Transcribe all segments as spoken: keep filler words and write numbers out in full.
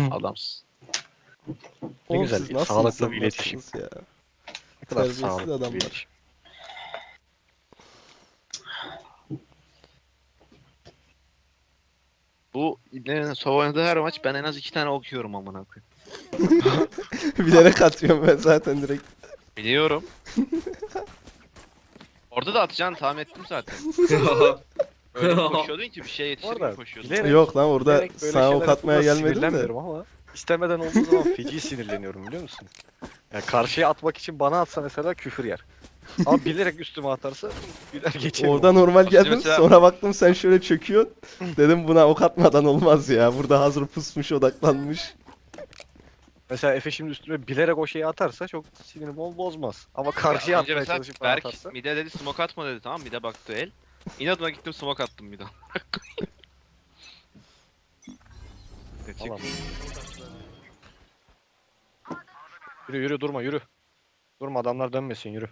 Adamsın. Ne Oğlum güzel siz bir nasıl sağlıklı bir iletişim. insanlarsınız ya? Ne kadar Terbiyesiz sağlıklı bir adamlar. iletişim. Bu İbne'nin sova oynadığı her maç ben en az iki tane okuyorum amına koyayım. Bilerek atıyorum ben zaten direkt. Biliyorum. Orada da atacağını tahmin ettim zaten. Öyle bir koşuyordun ki bir şeye yetişir gibi Orada koşuyordun. bilerek- Yok lan orada Bilerek böyle sana şeyler ok atmaya yaptığımda gelmedim de. sinirlenmiyorum ama istemeden olduğu zaman feci sinirleniyorum biliyor musun? Yani karşıya atmak için bana atsa mesela küfür yer. Ama bilerek üstüme atarsa güler geçerim. Orada normal Aslında geldim mesela- sonra baktım sen şöyle çöküyorsun. Dedim buna ok atmadan olmaz ya. Burada hazır pusmuş odaklanmış. Mesela Efe şimdi üstüme bilerek o şeyi atarsa çok sinirimi ol bozmaz. Ama karşıya Az önce atmaya mesela çalışıp bana Berk atarsa. mide dedi smoke atma dedi, tamam, mide baktı el. İnadına gittim smoke attım mide. Çık. Alam. Yürü yürü durma yürü. Durma adamlar dönmesin yürü.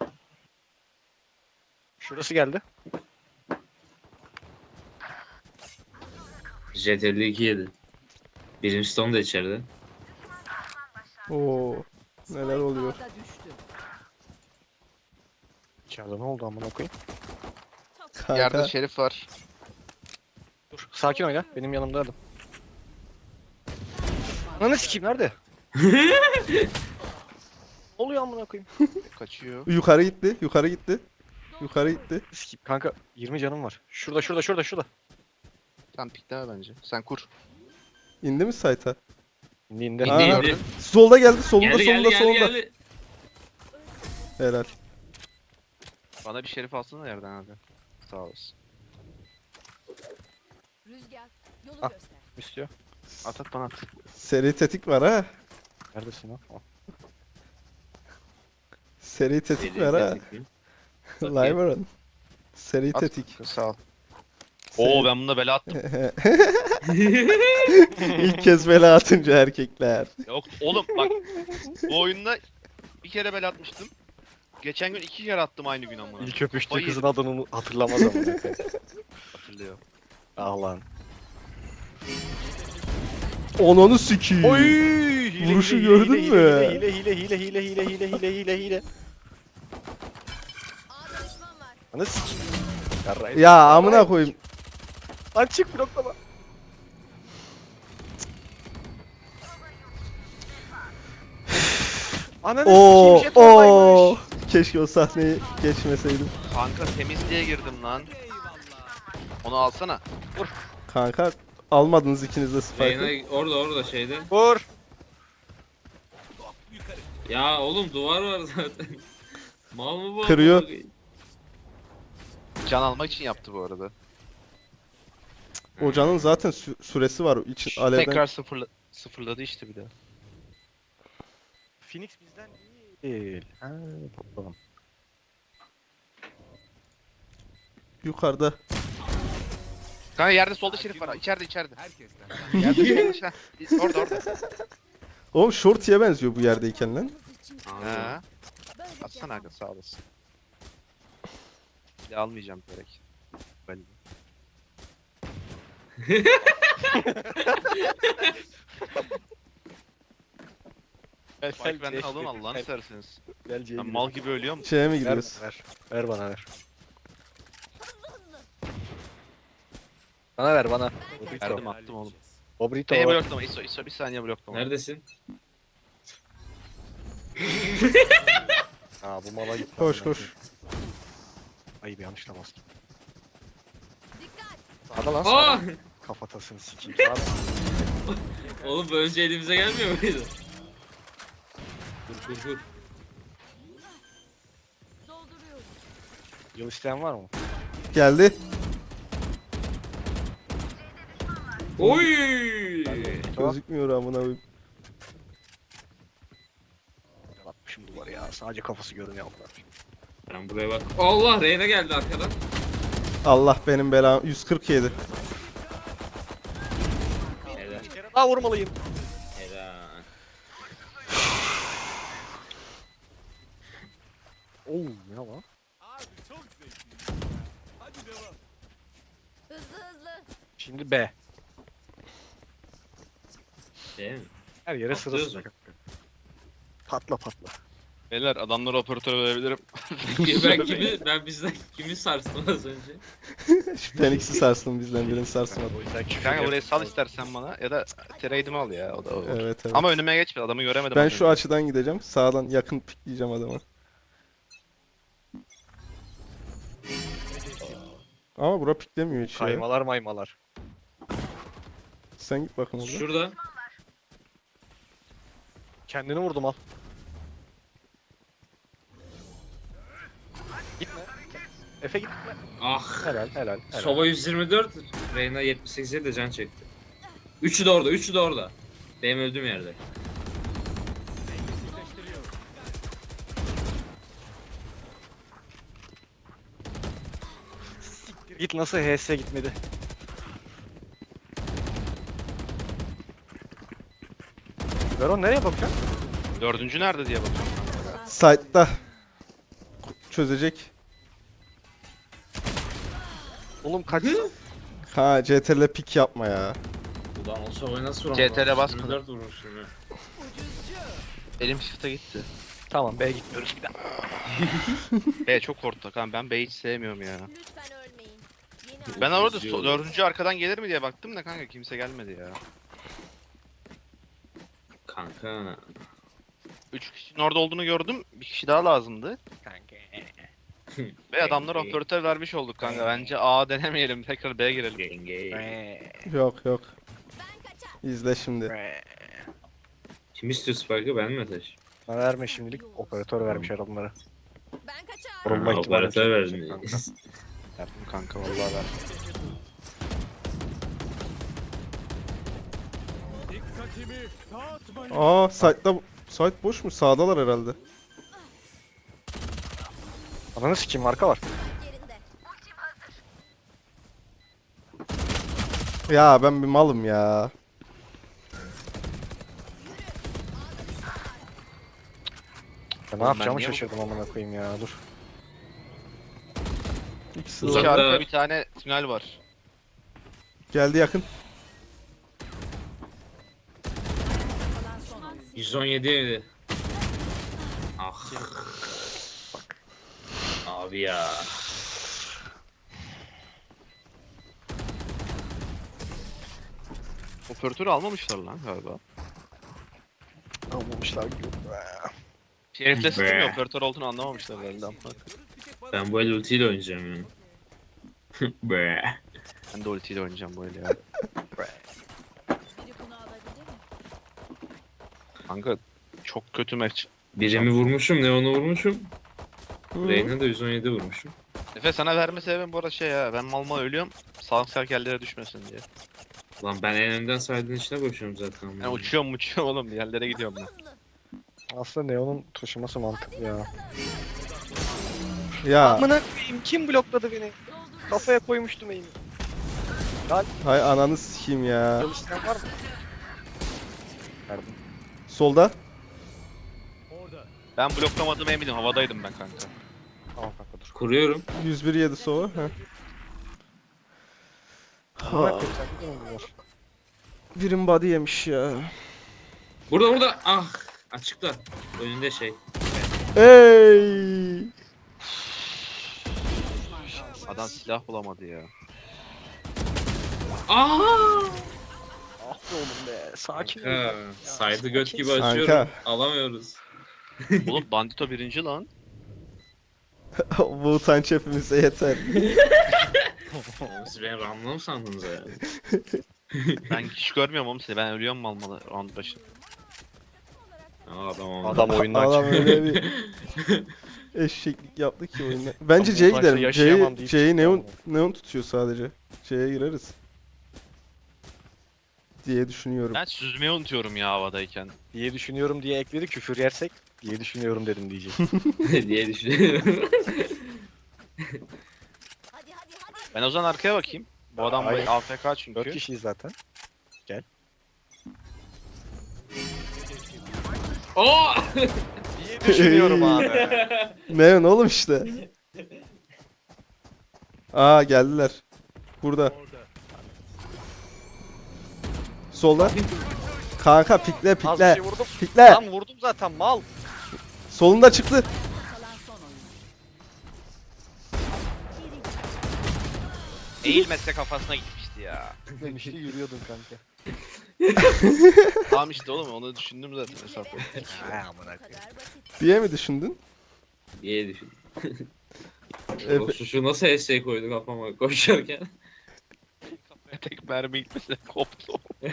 Şurası geldi. Jet elli iki yedi. Birinci Stone da içeride. Oo, neler oluyor? Ağda düştü. İçeride ne oldu amına koyayım? Yerde Kanka Şerif var. Dur sakin oyna benim yanımda adam. Ananı sikeyim nerede? Ne oluyor amına koyayım? Kaçıyor. yukarı gitti, yukarı gitti. Yukarı gitti. Sikeyim kanka yirmi canım var. Şurada şurada şurada şurada. Sen pikleme bence. Sen kur. İndi mi site'a? İndi indi. İndi Aa, indi. Solda geldi, solunda Geldi solunda geldi geldi solunda. geldi. Helal. Bana bir Şerif alsana yerden abi. Sağ olasın. Rüzgar yolu Ah. göster. İstiyor. At at bana at. Seri tetik var ha. Neredesin lan? Oh. Seri tetik Deli, var ha. deli. Limeron. Seri At. tetik. Sağ ol. Seri- Oo ben bunda bela attım. İlk kez bela atınca erkekler. Yok oğlum bak. Bu oyunda bir kere bela atmıştım. Geçen gün iki kere attım aynı gün amına. İlk öpüştüğü Hayır. kızın adını unu- hatırlamaz amına koyayım. Hatırlıyor. Ah lan. Onunu sikiyim. Oy! Hile, Vuruşu hile, gördün hile, mü? Hile hile hile hile hile hile hile hile hile. Ağda düşman var. Ana sikeyim. Yarrayım. Ya amına koyayım. Lan çık bloklama. Ananı Oo, sikeyim jet oo. oradaymış. Keşke o sahneyi geçmeseydim. Kanka temizliğe girdim lan. Onu alsana. Kanka almadınız ikiniz de Spike'ı. Reyna orada orada şeyde. Vur. Ya oğlum duvar var zaten. Mal mı bu? Kırıyor. Can almak için yaptı bu arada. Hocanın zaten sü- süresi var. İçin alevden. Tekrar sıfırla sıfırladı işte bir daha. Phoenix bizden değil. Ha, bakalım. Yukarıda. Kanka yerde solda Şerif var. İçeride içeride. Yerde solda Şerif. Orada orada. Oğlum Shorty'ye benziyor bu yerdeyken lan. Ha. Atsana aga sağ olasın. Bir de almayacağım direkt. Ben. Bak benden alın Allah'ını serseniz. Gel C'ye Ben gidelim. mal gibi ölüyorum. Şeye mi Ver, gidiyoruz? ver. Ver bana ver. Bana ver bana. Verdim Obrito. attım oğlum. Obrito. Beni bloklama İso İso bir saniye bloklama. Neredesin? Ha bu mala gitti. Koş amına koş. Ayıp yanlışla bastım. Dikkat. Hadi lan Aa! sana. Kafatasını sikeyim. Sana. Oğlum bu önce elimize gelmiyor muydu? Dur dur dur. Dolduruyorum. Yıl isteyen var mı? Geldi. Oy! Gözükmüyor amına koyayım. Atmışım duvarı ya. Sadece kafası görünüyor amına. Ben buraya bak. Allah Reyna geldi arkadan. Allah benim belam. yüz kırk yedi. Helal. Bir kere daha vurmalıyım. Helal. Oo ne lan? Hızlı hızlı. Şimdi B. Şey mi? Her yere Patlıyoruz sırası. mu? Patla patla. Beyler adamlara operatör verebilirim. ben kimi, ben bizden kimi sarstım az önce? Şu Phoenix'i sarsın bizden birini sarsmadı. O yüzden küfür Kanka yap- burayı sal istersen bana ya da trade'imi al ya o da olur. Evet evet. Ama önüme geçme adamı göremedim. Ben az şu önce. açıdan gideceğim. Sağdan yakın pikleyeceğim adamı. Ama bura piklemiyor hiç ya. Kaymalar maymalar. Sen git bakın orada. Şurada. Kendini vurdum al. Gitme. Efe gitme. Ah. Helal helal. helal. Sova yüz yirmi dört, Reyna yetmiş sekize de can çekti. Üçü de orada, üçü de orada. Benim öldüğüm yerde. Git nasıl H S gitmedi. Veron nereye bakıyorsun? Dördüncü nerede diye bakıyorum. Site'da. Çözecek. Oğlum kaç? Ha C T R L pik yapma ya. Ulan o Sova'yı nasıl vuramadım? C T R 'e basmadım. yirmi dört vurmuşum ya. Elim shift'e gitti. Tamam B'ye gitmiyoruz bir daha. B çok korktu kanka ben B'yi hiç sevmiyorum ya. Lütfen ölmeyin. Yeni Ben orada İzliyorum. so- dördüncü arkadan gelir mi diye baktım da kanka kimse gelmedi ya. Kanka. Üç kişinin orada olduğunu gördüm. Bir kişi daha lazımdı. Ve adamlar operatör vermiş olduk kanka. Bence A denemeyelim. Tekrar B'ye girelim. Yenge. Yok yok. Ben kaçar. İzle şimdi. Kim istiyor Spike'ı, ben mi ateş? Bana verme şimdilik. Operatör vermiş herhalde bunlara. Ben kaçar. Vurulma Ha, ihtimali operatör yüksek verdin. kanka. Yaptım kanka vallahi ver. Aa site'da site boş mu? Sağdalar herhalde. Ananı sikeyim marka var. Yerinde. Ya ben bir malım ya. Ya ne ben yapacağımı niye bu- şaşırdım amına koyayım ya dur. İkisi İki de Uzakta- arka bir tane tünel var. geldi yakın. yüz on yedi yedi. Ah. Abi ya. Operatörü almamışlar lan galiba. Almamışlar gibi. Şerif'le sıktım ya Be. operatör olduğunu anlamamışlar herhalde ama. Ben bu el ultiyle oynayacağım ya. Be. Ben de ultiyle oynayacağım bu eli ya. Biri bunu alabilir mi? Kanka çok kötü maç. Birimi vurmuşum, Neon'u vurmuşum. Hı. Reyna da yüz on yedi vurmuşum. Efe sana verme sebebim bu arada şey ya. Ben mal mal ölüyorum. Sağlık serkerlere düşmesin diye. Lan ben en önden saydığın içine koşuyorum zaten. Ben uçuyorum uçuyorum oğlum. Bir yerlere gidiyorum ben. Hızlı. Aslında Neon'un taşıması mantıklı ya. Ya Amına koyayım kim blokladı beni? Dolduruyor. Kafaya koymuştum eğimi. hay ananı sikeyim ya. Çalıştıran var mı? Verdim. Solda. Ben bloklamadığıma eminim. Havadaydım ben kanka. Tamam kanka dur. Kuruyorum. yüz bir yedi sova. Heh. Amına Ha, koyayım sen ne oynuyorsun? birim body yemiş ya. Burada burada. Ah. Açıkta. Önünde şey. Ey! Adam silah bulamadı ya. Aa! Ah be oğlum be. Sakin ol. Ha, saydı göt gibi Kanka. açıyorum. Alamıyoruz. Oğlum Bandito birinci lan. Bu utanç hepimize yeter. Oğlum siz beni ramla mı sandınız ya? Ben hiç görmüyorum oğlum seni. Ben ölüyorum mal mal round başı. Aa, adam oldu. Adam oyundan Adam çıktı. öyle bir eşeklik yaptı ki oyunda. Bence Ama C'ye bu maçta gidelim. yaşayamam C'yi deyip C'yi çıktı neon, ama. neon tutuyor sadece. C'ye gireriz. Diye düşünüyorum. Ben süzmeyi unutuyorum ya havadayken. Diye düşünüyorum diye ekledi küfür yersek diye düşünüyorum dedim diyecek. diye düşünüyorum. Hadi hadi hadi. Ben o zaman arkaya bakayım. Bu adam Hayır. A F K çünkü. Dört kişiyiz zaten. Oo! Diye düşünüyorum abi. Neon oğlum işte. Aa geldiler. Burada. Solda. Kanka pikle Az bir pikle. şey vurdum. Pikle. Lan vurdum zaten mal. Solunda çıktı. Kalan son oyun. Eğilmezse kafasına gitmişti ya. Demişti yürüyordum kanka. Tamam işte oğlum onu düşündüm zaten hesap. Ha amına Bu kadar basit. Diye mi düşündün? diye düşün. Efe- O şu, şu nasıl S S koydu kafama koşarken. Kafaya tek mermi gitmese koptu.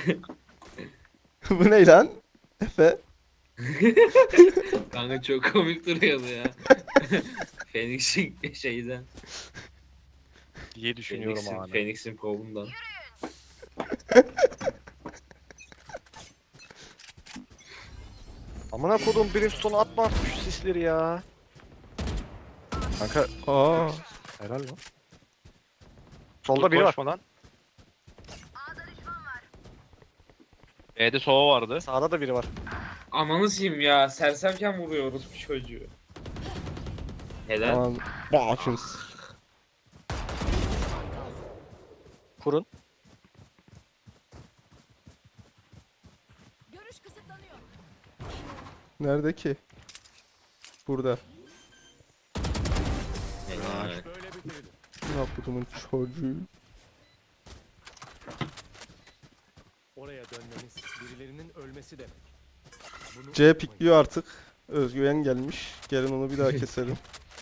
Bu ne lan? Efe. Kanka çok komik duruyordu ya. Phoenix'in şeyden. diye düşünüyorum Phoenix'in, abi. Phoenix'in kovundan. Amına kodum Brimstone atma artık şu sisleri ya. Kanka Aa. helal lan. Solda biri var. Koşma lan. B'de sova vardı. Sağda da biri var. Ananı sikeyim ya. Sersemken vuruyoruz bu çocuğu. Helal. Aman. Bakınız. Kurun. Görüş kısıtlanıyor. Nerede ki? Burada. Helal. Ne yaptımın çocuğu? Oraya dönmemiz birilerinin ölmesi demek. Bunu C unutmayın. pikliyor artık. Özgüven gelmiş. Gelin onu bir daha keselim.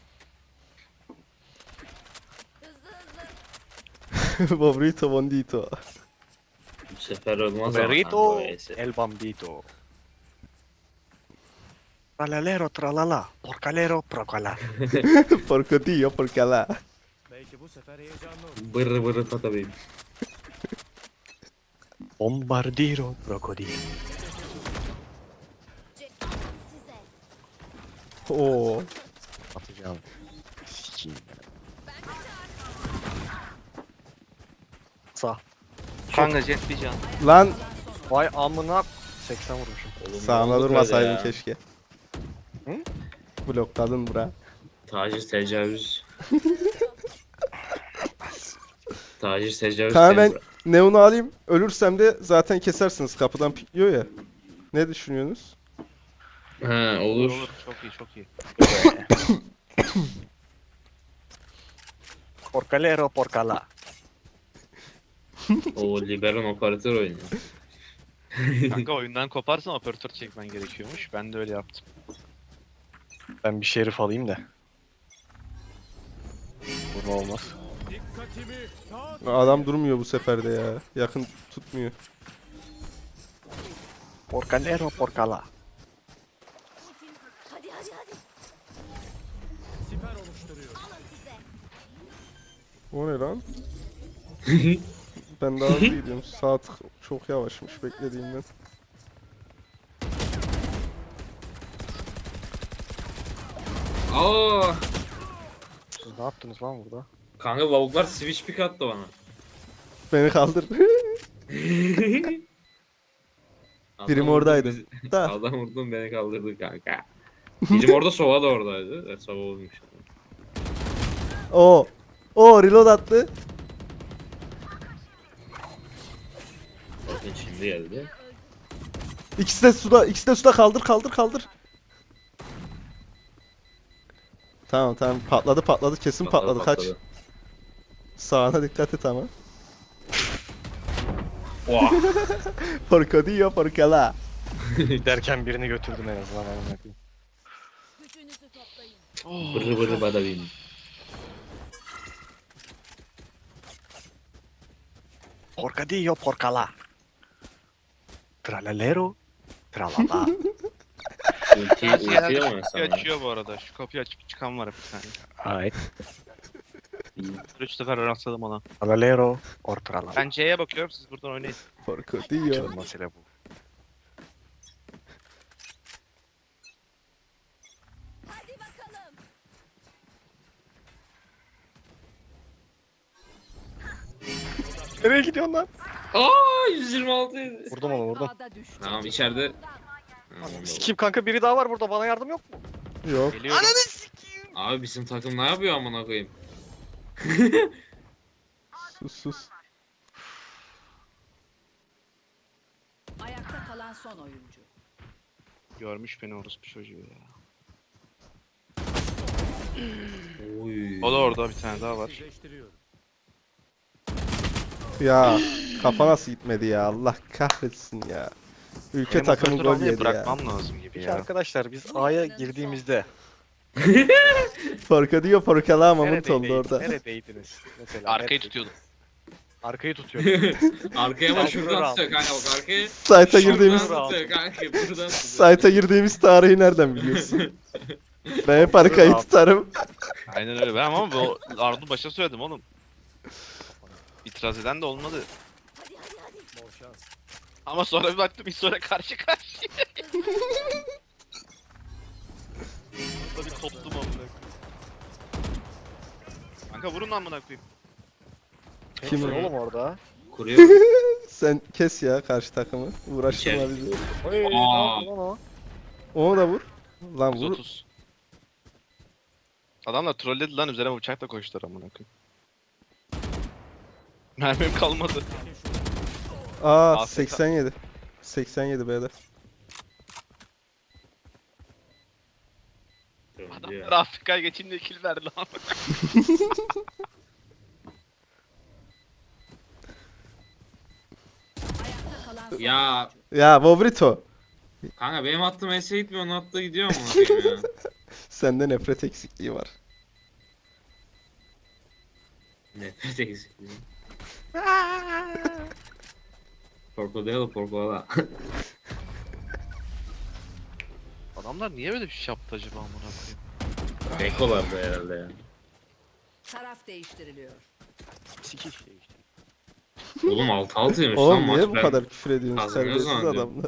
Hızlı hızlı. Bobrito Bondito. Bu sefer olmaz ama. Berito. kanka o S S. El Bambito. Tralalero tralala. Porcalero procala. Porcotillo porcala. Belki bu sefer heyecanlı olur. Bırrı bırrı patabeyim. Bombardiro krokodil. Cek size. Oo. Atacağım. Sikiyim. Ben kaçar. Sağ. Kanka jet bir can. Lan Vay amına seksen vurmuşum. Oğlum, sağına ne oldu durmasaydın böyle ya? keşke. Hı? Blokladın bura. Taciz tecavüz. Taciz tecavüz. Kanka ben tembra. Neon'u alayım. Ölürsem de zaten kesersiniz. Kapıdan pikliyor ya. Ne düşünüyorsunuz? Ha Olur olur. olur. Çok iyi çok iyi. Porcalero porcala. O liberon operatör oynuyor. Kanka oyundan koparsan operatör çekmen gerekiyormuş. Ben de öyle yaptım. Ben bir şerif alayım da. Vurma olmaz. Dikkatimi dağıt. Adam durmuyor bu sefer de ya. Yakın tutmuyor. Porcalero porcala. Hadi hadi hadi. Siper oluşturuyor. Alın size. O ne lan? Ben daha hızlı gidiyorum. Saat çok yavaşmış beklediğimden. Aa! Siz ne yaptınız lan burada? Kanka lavuklar switch pick attı bana. Beni kaldır. Adam Birim vurdu oradaydı. bizi- Da. Adam vurdun beni kaldırdı kanka. Birim orada Sova da oradaydı. Evet, Sova olmuş. O. O reload attı. Bakın şimdi geldi. İkisi de suda. İkisi de suda kaldır kaldır kaldır. Tamam tamam patladı patladı kesin patladı, kaç. Sağına dikkat et ama. Oha. Porcadillo porcala. Derken birini götürdüm en azından amına koyayım. Gücünüzü toplayın. Bırrı bırrı badabim. Porcadillo porcala. Tralalero tralala. Ulti, ulti Genelde ama kapıyı sana. açıyor bu arada. Şu kapıyı açıp çıkan var bir tane. Hayır. Üç sefer rastladım ona. Tralalero or tralala. Ben C'ye bakıyorum siz buradan oynayın. Porcadillo. Canım mesele bu. Hadi bakalım. Nereye gidiyorsun lan? Aa yüz yirmi altı yedi. Vurdum onu vurdum. Ağda düştü. Tamam içeride. Ha, Sikim kanka biri daha var burada bana yardım yok mu? Yok. Geliyorum. Abi bizim takım ne yapıyor amına koyayım? Sus sus. Ayakta kalan son oyuncu. Görmüş beni orospu çocuğu ya. Oy. O da orada bir tane daha var. Sizleştiriyorum. Ya kafa nasıl gitmedi ya, Allah kahretsin ya. Ülke Benim takımı operatör gol almayı yedi ya. Bırakmam lazım gibi Peki ya. arkadaşlar biz A'ya girdiğimizde Forka diyor Forkalı ama mınt oldu neredeydiniz? orada. Neredeydiniz? Mesela Arkayı neredeydiniz? tutuyordum. Arkayı tutuyordum. Arkaya bak Sen şuradan şunu tutuyor kanka bak arkaya. Site'a Şuradan girdiğimiz Şuradan tutuyor kanka buradan tutuyor. Site'a girdiğimiz tarihi nereden biliyorsun? Ben hep arkayı Şuradan. tutarım. Aynen öyle. Ben ama bu Ardu başa söyledim oğlum. İtiraz eden de olmadı. Hadi hadi hadi. Bol şans. Ama sonra bir baktım İso'yla karşı karşıya. Burada bir koptum amına koyayım. Kanka vurun lan amına koyayım. Kim Kim o? oğlum orada? Kuruyor. Sen kes ya karşı takımı. Uğraştırma İçeri. bizi. Oy, ne Aa. yaptı lan o? Onu da vur. Lan yüz vur. otuz. Adamlar trolledi lan üzerime bıçakla koştular amına koyayım. Mermim kalmadı. Aa A F K. seksen yedi. seksen yedi B'de. Adamlar Afrika'ya geçeyim diye kill verdi lan. Ayakta kalan son Ya Ya Bobrito. kanka benim attığım S'e gitmiyor onun attığı gidiyor mu bakayım ya. Sende nefret eksikliği var. Nefret eksikliği. Porco porco. Adamlar niye böyle bir şey yaptı acaba amına koyayım? Bekolardı herhalde ya. taraf değiştiriliyor. Sikiş şey işte. Oğlum altı altıymış lan Oğlum maç. niye bu Ben- kadar küfür ediyorsun kazanıyoruz serbestsiz zannediyorum. adamlar.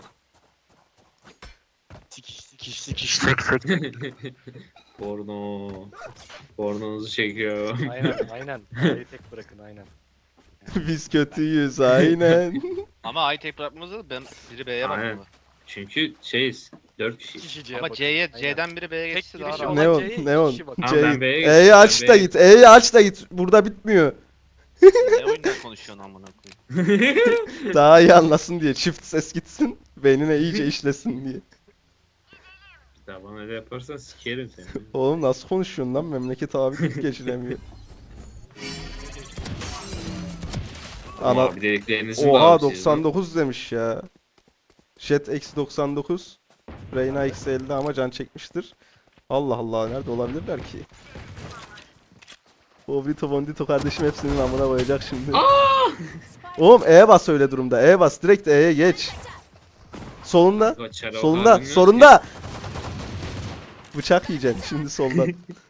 Sikiş sikiş sikiş tek tek. Porno. Pornonuzu çekiyor. Aynen aynen. A'yı tek bırakın aynen. Biz kötüyüz aynen. Ama A'yı tek bırakmamızda ben biri B'ye Aynen. bakmalı. Çünkü şeyiz. Dört İki kişi. kişi C'ye Ama bakın. C'ye Aynen. C'den biri B'ye Tek geçse daha girişi rahat. olan Neon, C'ye iki Neon. kişi bakın. Tamam, ben C'yi B'ye geçtim, E'yi ben aç da B'ye git. E'yi aç da git. Burada bitmiyor. Ne oyundan konuşuyorsun amına koyayım? Daha iyi anlasın diye. Çift ses gitsin. Beynine iyice işlesin diye. Ya bana öyle yaparsan sikerim seni. Oğlum nasıl konuşuyorsun lan? Memleket abi kötü geçiremiyor. Ana. Ama bir dediklerinizin Oha daha bir şey doksan dokuz demiş ya. Jet eksi doksan dokuz. Reyna eksi elli ama can çekmiştir. Allah Allah nerede olabilirler ki? Bobrito Bondito kardeşim hepsinin amına koyacak şimdi. Oğlum E'ye bas öyle durumda. E'ye bas. Direkt E'ye geç. Solunda. Bak, çare o Solunda. kadar bilmiyorum Solunda. Bıçak yiyeceksin şimdi soldan.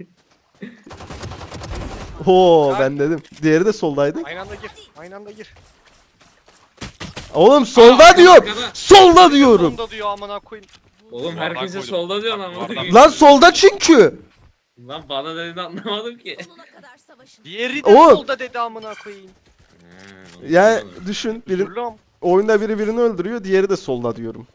Oo ben dedim. Diğeri de soldaydı. Aynı anda gir. Aynı anda gir. Oğlum ki. solda Aa, diyor. arkada. Solda diyorum. Sonunda diyor amına koyayım. Oğlum Bardak herkese koydum. solda diyor lan. Bardak- Bardak. Lan solda çünkü. Lan bana dediğini anlamadım ki. Sonuna kadar savaşın. Diğeri de Oğlum. solda dedi amına koyayım. Ha, onu Yani anlamadım. düşün. Biri, Üzülüm. oyunda biri birini öldürüyor. Diğeri de solda diyorum.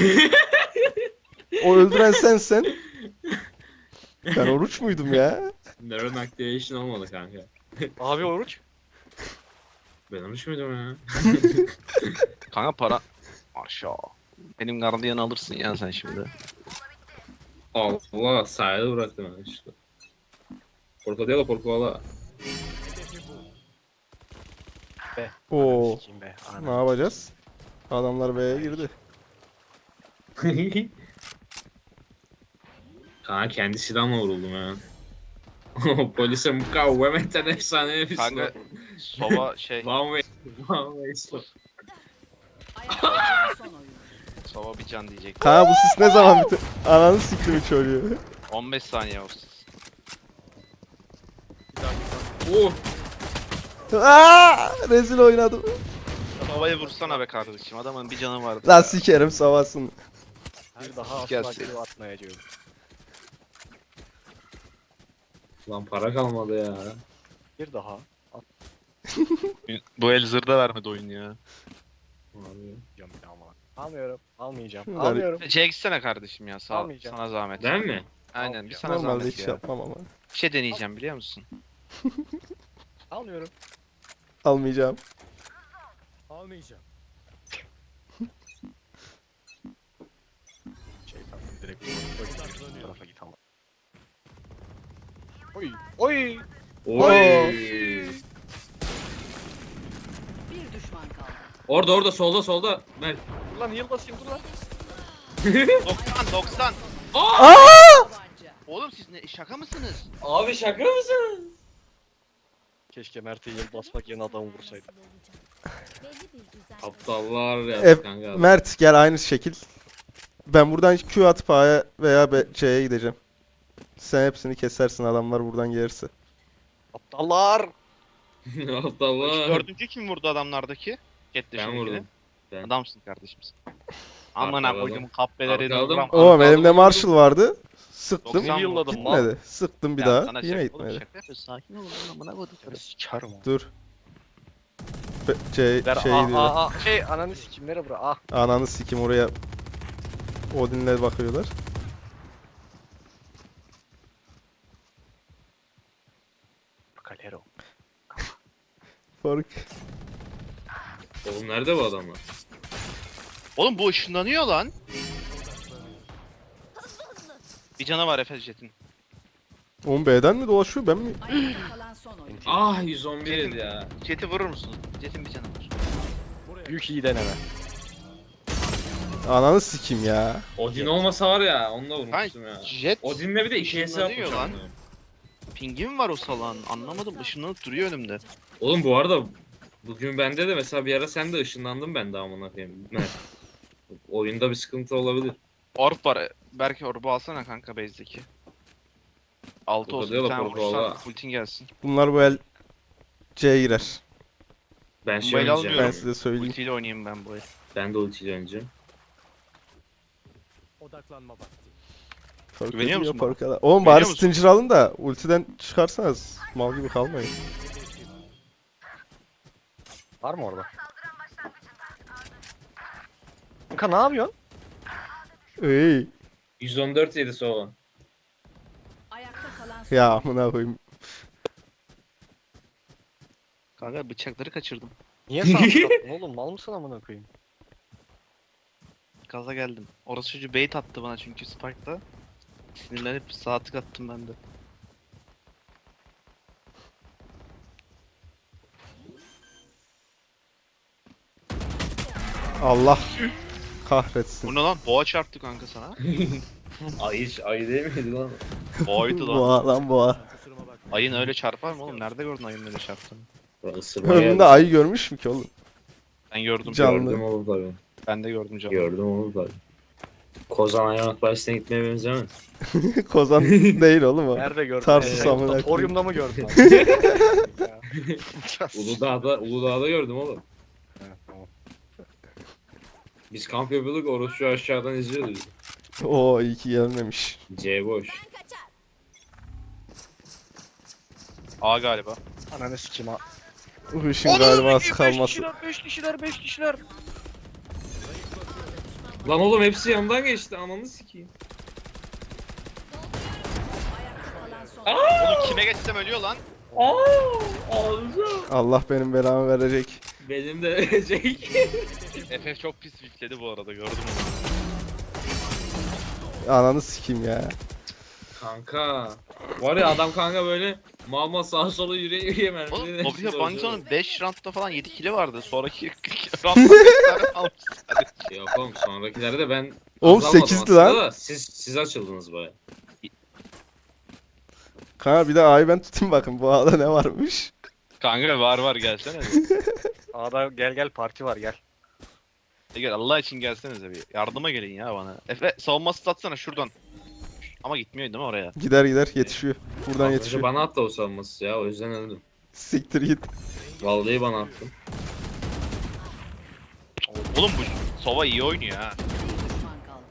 O öldüren sensen. Ben oruç muydum ya? Neuron activation olmadı kanka. Abi oruç. Ben olmuş muydum ya? Kanka para. Aşağı. Benim gardiyanı alırsın ya sen şimdi. Allah sahile bıraktım ben işte. Porco porco. Oo. Sikeyim be. Ne yapacağız? Adamlar B'ye girdi. Kanka kendi silahımla vuruldum ya. Polise mukavemetten efsane bir Kanka silah. sova şey One way. One way silah. Ayakta kalan son oyuncu. sova bir can diyecek. Ha bu sis ne zaman bitti? Ananı siktim çocuğu. on beş saniye olsun. Oh! Aa, rezil oynadım. Sova'yı vursana be kardeşim. Adamın bir canı vardı. Lan ya. sikerim savasın. Bir daha asla Gelsin. geri atmayacağım. Lan para kalmadı ya. Bir daha. Bu el zırda vermedi oyun ya. Abi. Atmayacağım bir daha ama. Almıyorum. Almayacağım. Şunları- Almıyorum. Şey gitsene kardeşim ya. Sağ, Almayacağım. sana zahmet. Ben mi? Aynen bir sana Normalde zahmet hiç ya. yapmam ama. Bir şey deneyeceğim biliyor musun? Almıyorum. Almayacağım. Almayacağım. direkt. Bu tarafa git ama. Oy. Oy. Oy. Bir düşman kaldı. Orada orada solda solda. Mert. Dur lan heal basayım dur lan. doksan doksan. Tabanca. Oğlum siz ne şaka mısınız? Abi şaka mısın? Keşke Mert'e heal basmak yerine adamı vursaydım. Belli bir düzen. Aptallar ya E, kanka. Mert gel aynı şekil. Ben buradan Q atıp A'ya veya B- C'ye gideceğim. Sen hepsini kesersin adamlar buradan gelirse. Aptallar. Aptallar. Dördüncü kim vurdu adamlardaki? Jet Ben dışındakini. vurdum. Ben. Adamsın kardeşim sen. Aman ha Arkaladım. koydum kahpeleri Arkaladım. vuram. Oğlum Arkadan elimde vurdum. Marshall vardı. Sıktım. doksan Yılladım mal. Gitmedi. Sıktım bir Ya daha. sana Yine şaka- oğlum gitmedi. şaka yapıyorsun, sakin ol oğlum, amına koydum. Sikerim onu. Dur. Be- C Ver şey ah diyor. ah ah şey ananı sikim nereye bura ah. Ananı sikim oraya. Odin'le bakıyorlar. Kalero. Fark. Oğlum nerede bu adamlar? Oğlum bu ışınlanıyor lan. Bir canı var Efe Jet'in. on B'den mi dolaşıyor ben mi? Ayakta kalan son oyuncu. Ah yüz on bir yedi ya. Jet'i vurur musun? Jet'in bir canı var. Büyük iyi deneme. Ananı sikim ya. Odin olmasa var ya onunla vurmuştum ya. Jet Odin'le bir de iki hesap ışınlanıyor yapmış lan. lan. pingi mi var o salağın? Anlamadım, ışınlanıp duruyor önümde. Oğlum bu arada bugün bende de mesela bir ara sen de ışınlandın ben de amına koyayım. Mert. Oyunda bir sıkıntı olabilir. Orb var. Belki orb'u alsana kanka base'deki. altı olsun, bir Orada tane yok, orba vurursan var. ultin gelsin. Bunlar bu el C'ye girer. Ben şey Bombayla oynayacağım. Ben almıyorum. size söyleyeyim. Ultiyle oynayayım ben bu el. Ben de ultiyle oynayacağım. Odaklanma vakti. Fark Güveniyor ediyor musun bana? fark eder. Oğlum Güveniyor bari musun? Stinger alın da ultiden çıkarsanız mal gibi kalmayın. Var mı orada? Kanka ne yapıyorsun? Ey yüz on dört yedi sova. Ayakta kalan son ya amına koyayım. Kanka bıçakları kaçırdım. Niye sağ attın oğlum mal mısın amına koyayım? Gaza geldim. Orası çocuğu bait attı bana çünkü Spike'da. Sinirlenip sağ tık attım ben de. Allah kahretsin. Bu ne lan? Boğa çarptı kanka sana. Ay ay değil miydi lan? Boğaydı lan. Boğa lan boğa. Kusuruma bakma. Ayın öyle çarpar mı oğlum? Nerede gördün ayın öyle çarptığını? Isırma Ömründe geldi. ayı görmüş mü ki oğlum? Ben gördüm. Can- Gördüm onu tabii. Ben de gördüm canım. Gördüm onu tabii. Kozan Hayvanat Bahçesi'ne gitmeye benzemez. Kozan değil oğlum o. Nerede gördün? Tarsus Ee, amına koyayım. Torium'da mı gördün? Uludağ'da, Uludağ'da gördüm oğlum. Evet, tamam. Biz kamp yapıyorduk, orası şu aşağıdan izliyordu bizi. Oo iyi ki gelmemiş. C boş. Ben kaçar. A galiba. Ananı sikim ha. Bu işin galiba az kalması. beş kişiler beş kişiler. Lan oğlum hepsi yandan geçti, ananı sikeyim. ayakta kalan son oyuncu. Oğlum kime geçsem ölüyor lan. Aaa! Ağzım. Allah benim belamı verecek. Benim de verecek. F F çok pis wikledi bu arada gördüm onu. Ananı sikeyim ya. Kanka. Var ya adam kanka böyle mal mal sağa sola yürüye yürüye mermi. Oğlum Mobilya Banjo'nun beş roundda falan yedi kili vardı. Sonraki roundda beş tane almış sadece. Yok oğlum sonrakilerde de ben Oğlum az almadım sekizdi aslında lan. da Siz siz açıldınız baya. Kanka bir de ayı ben tutayım bakın bu ağda ne varmış. Kanka var var gelsene. A'da gel gel parti var gel. E gel Allah için gelsenize bir. Yardıma gelin ya bana. Efe savunması satsana şuradan. Ama gitmiyor değil mi oraya? Gider gider yetişiyor. Buradan Az önce yetişiyor. bana attı o sanması ya o yüzden öldüm. Siktir git. Vallahi bana attı. Oğlum bu Sova iyi oynuyor ha. Bir düşman kaldı.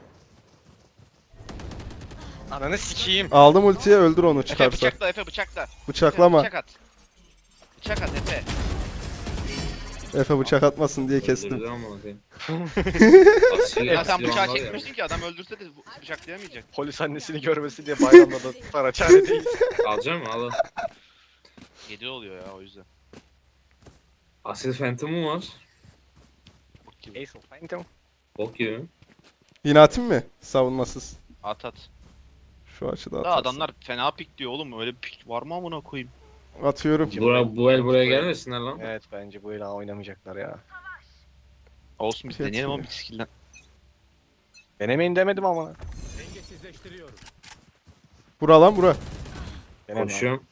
Ananı sikeyim. Aldım ultiye öldür onu Efe çıkarsa. bıçakla Efe bıçakla. Efe, Bıçaklama. Bıçak at. Bıçak at Efe. Efe bıçak atmasın diye kestim. Öldürdü amına koyayım. Asil- Ya sen asil bıçağı anlar ya. çekmişsin ki adam öldürse de bu- bıçaklayamayacak. Polis annesini görmesin diye bayramda da Saraçhane değil. Alacağım mı? Al. al. yedi oluyor ya o yüzden. Asil Phantom'um var. Ace of Phantom. Bok gibi. Yine atayım mı? Savunmasız. At at. Şu açıda Da atarsın. adamlar fena pik diyor oğlum. Öyle bir pik var mı amına koyayım? Atıyorum. Bura, bu el buraya gelmesinler lan. Evet bence bu el oynamayacaklar ya. Olsun biz Fiyat deneyelim ama mi? bir skill'den. Denemeyin demedim ama. Dengesizleştiriyorum. Bura lan bura. Deneme. Koşuyorum.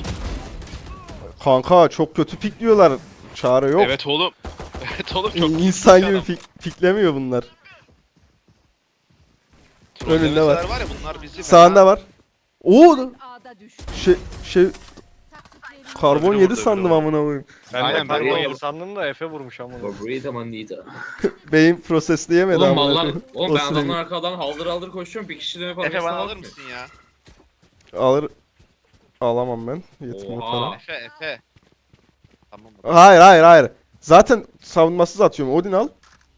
Kanka çok kötü pikliyorlar. Çare yok. Evet oğlum. Evet oğlum çok İnsan gibi adam. pik, piklemiyor bunlar. Trollemeseler önünde var. var ya bunlar bizi Sağında var. Oo A'da düştü. şey şey Taktiklerini karbon Öbürü yedi vurdu, sandım öbürü amına koyayım. Ben Aynen, de ben karbon de yedi vurdum. sandım da Efe vurmuş ama. Favorite manita. Beyin prosesleyemedi Oğlum amına mallar, koyayım. oğlum O ben sırayı. adamın arkadan haldır haldır koşuyorum. Bir kişi dönüp Efe bana alır mı? mısın ya? Alır. Alamam ben. Yetmiyor Oha. para. Efe Efe. Tamam. Hayır hayır hayır. Zaten savunmasız atıyorum. Odin al.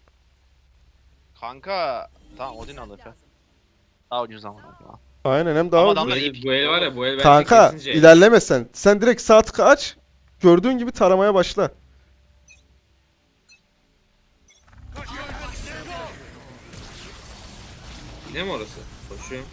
Kanka. Tamam Odin al Efe. Daha ucuz ama. Aynen hem daha Ama ucuz. Bu adamlar- el, bu el var ya bu el bence Kanka kesince. ilerleme sen. Sen direkt sağ tıkı aç. Gördüğün gibi taramaya başla. Ne mi orası? Koşuyorum.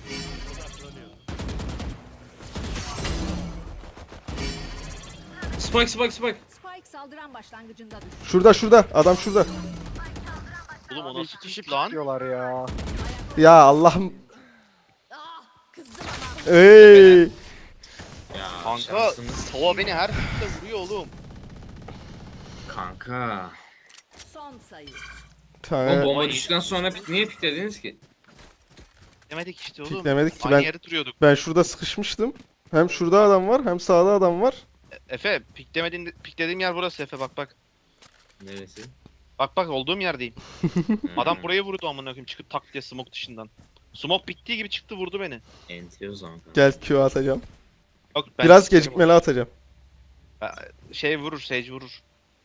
Spike spike spike. Spike saldıran başlangıcında düştü. Şurada şurada. Adam şurada. Oğlum o Abi nasıl iki kişi pik lan? pikliyorlar ya. Ya Allah'ım. Ah, kızdım ama. Ey. Ya Kanka şansımız. Sova beni her pikte vuruyor oğlum. Kanka. Son sayı. O Tane bomba düştükten sonra pik, niye piklediniz ki? Demedik işte oğlum. piklemedik ki Aynı ben. yere duruyorduk. Ben şurada sıkışmıştım. Hem şurada adam var hem sağda adam var. Efe piklemediğin piklediğim yer burası Efe bak bak. Neresi? Bak bak olduğum yerdeyim. Adam Hmm, buraya vurdu amına koyayım çıkıp tak diye smoke dışından. Smoke bittiği gibi çıktı vurdu beni. enti o zaman kanka. Gel Q atacağım. Yok, ben Biraz sikerim gecikmeli atacağım. onu. Şey vurur, Sage vurur.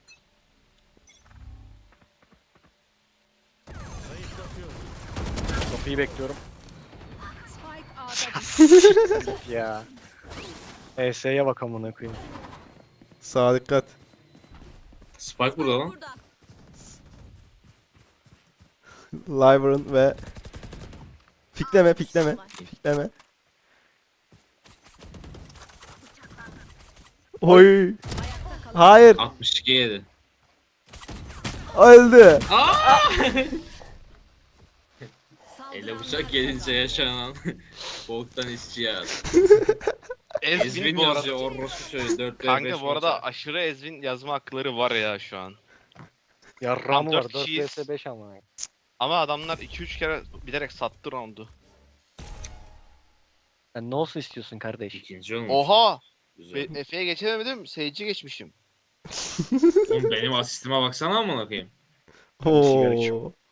Zayıflatıyorum. Kapıyı bekliyorum. Spike A'da düştü. Ya. E S'ye bak amına koyayım. Sağa dikkat. Spike burada lan. burada. Lyvern ve pikleme pikleme pikleme. Oy. Ayakta kalan Hayır. altmış iki yedi. Öldü. Elle bıçak gelince yaşanan boktan isyan. Ezvin Ezvin bu arada. yazıyor orospu şöyle dört Kanka bu arada aşırı Ezvin yazma hakları var ya şu an. Yarram dört var. dört kişiyiz. vs beş ama. Ama adamlar iki üç kere bilerek sattı roundu. Sen ne olsun istiyorsun kardeş? İkinci olmuş. Oha! Güzel. Be- Efe'ye geçemedim, Sage'i geçmişim. Oğlum benim asistime baksana amına koyayım. sigara içiyorum. Oo.